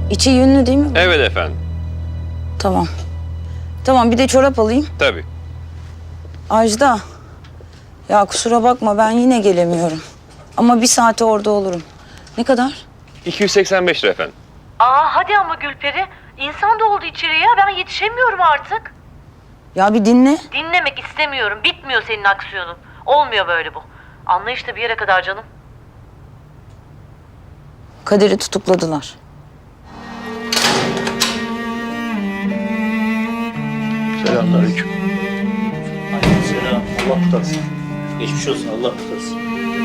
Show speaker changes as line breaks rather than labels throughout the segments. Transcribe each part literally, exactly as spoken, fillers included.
İçi yünlü değil mi?
Evet efendim.
Tamam. Tamam, bir de çorap alayım.
Tabii.
Ajda. Ya kusura bakma, ben yine gelemiyorum. Ama bir saate orada olurum. Ne kadar?
iki yüz seksen beş lira efendim.
Aa hadi ama Gülperi. İnsan doldu içeriye. Ben yetişemiyorum artık.
Ya bir dinle.
Dinlemek istemiyorum. Bitmiyor senin aksiyonun. Olmuyor böyle bu. Anlayışla bir yere kadar canım.
Kadir'i tutukladılar.
Selamünaleyküm.
Aleykümselam. Allah kurtarsın. Geçmiş olsun. Allah kurtarsın.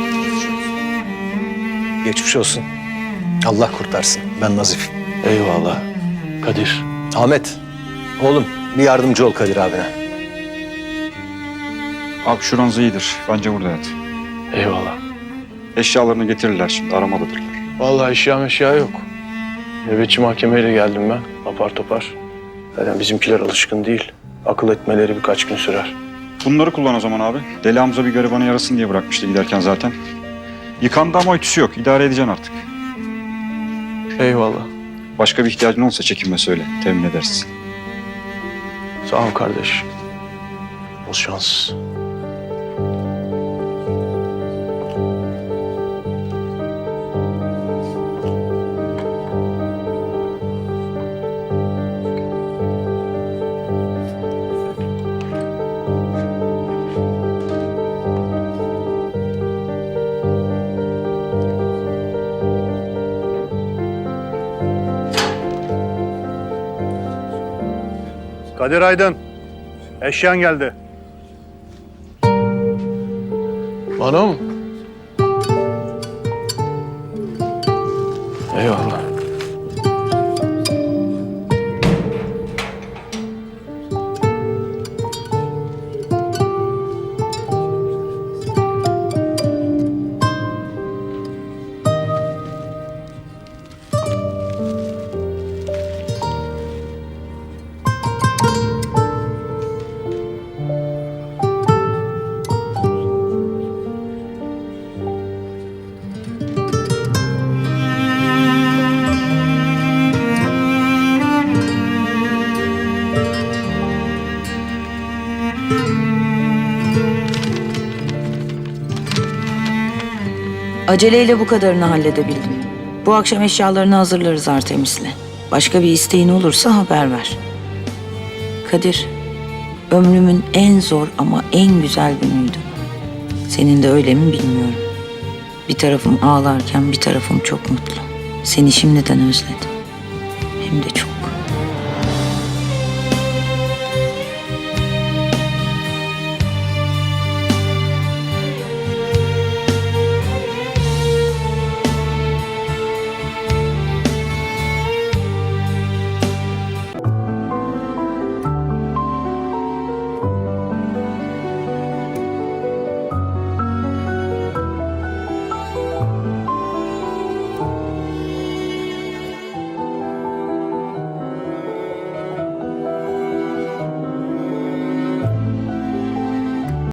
Geçmiş olsun. Allah kurtarsın. Ben Nazif.
Eyvallah. Kadir.
Ahmet. Oğlum bir yardımcı ol Kadir abine.
Abi şuranız iyidir. Bence burada yat.
Eyvallah.
Eşyalarını getirirler şimdi. Aramadadırlar.
Vallahi eşya eşya yok. Nöbetçi mahkemeyle geldim ben. Apar topar. Zaten bizimkiler alışkın değil. Akıl etmeleri birkaç gün sürer.
Bunları kullan o zaman abi. Deli Hamza bir garibanı yarasın diye bırakmıştı giderken zaten. Yıkandı ama ütüsü yok. İdare edeceksin artık.
Eyvallah.
Başka bir ihtiyacın olursa çekinme söyle. Temin ederiz.
Sağ ol kardeş. Bol şans.
Kadir Aydın, eşyan geldi.
Bana mı? Eyvallah.
Aceleyle bu kadarını halledebildim. Bu akşam eşyalarını hazırlarız Artemis'le. Başka bir isteğin olursa haber ver. Kadir, ömrümün en zor ama en güzel günüydü. Senin de öyle mi bilmiyorum. Bir tarafım ağlarken bir tarafım çok mutlu. Seni şimdiden özledim. Hem de çok.